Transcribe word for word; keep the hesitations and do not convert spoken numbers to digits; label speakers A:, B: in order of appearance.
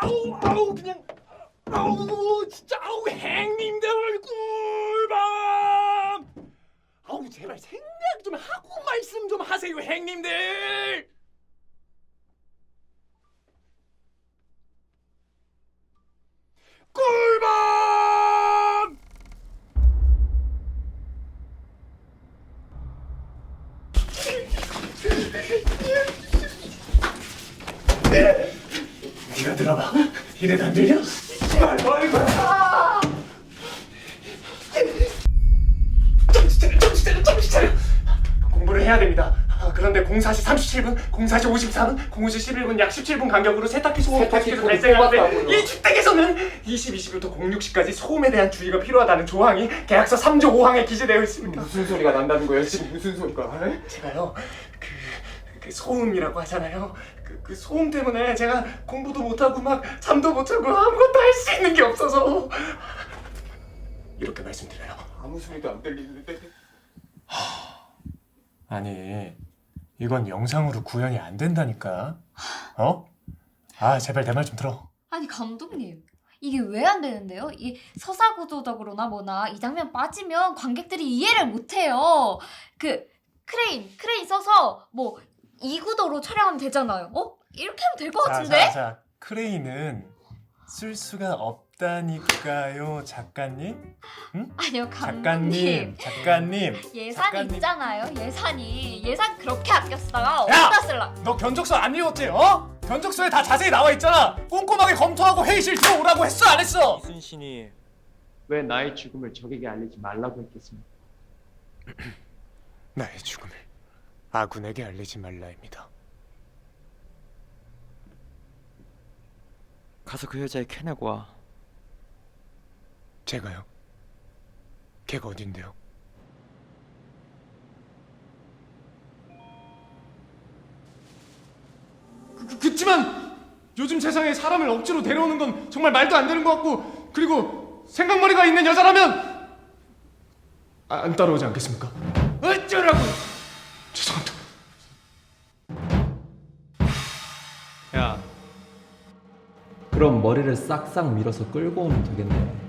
A: 아우 아우 그냥 아우 진짜 아우 행님들 꿀밤. 아우 제발 생각 좀 하고 말씀 좀 하세요 행님들. 꿀밤. 네가 들어봐. 이래도 안 들려? 아이고 아이고. 아! 정신 차려 정신 차려 정신 차려. 공부를 해야 됩니다. 아, 그런데 공사 시 삼십칠 분, 공사 시 오십사 분, 공오 시 십일 분 약 십칠 분 간격으로 세탁기 소음이 계속해서 발생하는데 이 주택에서는 이십, 이십부터 공육 시까지 소음에 대한 주의가 필요하다는 조항이 계약서 삼 조 오 항에 기재되어 있습니다.
B: 무슨 소리가 난다는 거예요? 지금 무슨 소리가? 에?
A: 제가요 그, 그 소음이라고 하잖아요. 그, 그 소음 때문에 제가 공부도 못하고 막 잠도 못 자고 아무것도 할 수 있는 게 없어서 이렇게 말씀드려요.
B: 아무 소리도 안 들리는데.
A: 아니 이건 영상으로 구현이 안 된다니까. 어? 아 제발 내 말 좀 들어.
C: 아니 감독님 이게 왜 안 되는데요? 이 서사구조적으로나 뭐나 이 장면 빠지면 관객들이 이해를 못해요. 그 크레인 크레인 써서 뭐 이 구도로 촬영하면 되잖아요. 어? 이렇게 하면 될 것 같은데?
A: 자, 자, 자, 크레인은 쓸 수가 없다니까요 작가님. 응?
C: 아니요 감독님
A: 작가님 작가님
C: 예산이
A: 작가님.
C: 있잖아요. 예산이 예산 그렇게 아꼈다가
A: 야!
C: 어디다 쓸라?
A: 너 견적서 안 읽었지? 어? 견적서에 다 자세히 나와 있잖아. 꼼꼼하게 검토하고 회의실 들어오라고 했어 안 했어?
B: 이순신이 왜 나의 죽음을 적에게 알리지 말라고 했겠습니까?
A: 나의 죽음을 아군에게 알리지 말라입니다.
B: 가서 그 여자애 캐내고 와.
A: 제가요? 걔가 어딘데요? 그, 그, 그치만 요즘 세상에 사람을 억지로 데려오는 건 정말 말도 안 되는 것 같고, 그리고 생각머리가 있는 여자라면 아, 안 따라오지 않겠습니까? 어쩌라고! 죄송합니다.
D: 야, 그럼 머리를 싹싹 밀어서 끌고 오면 되겠네.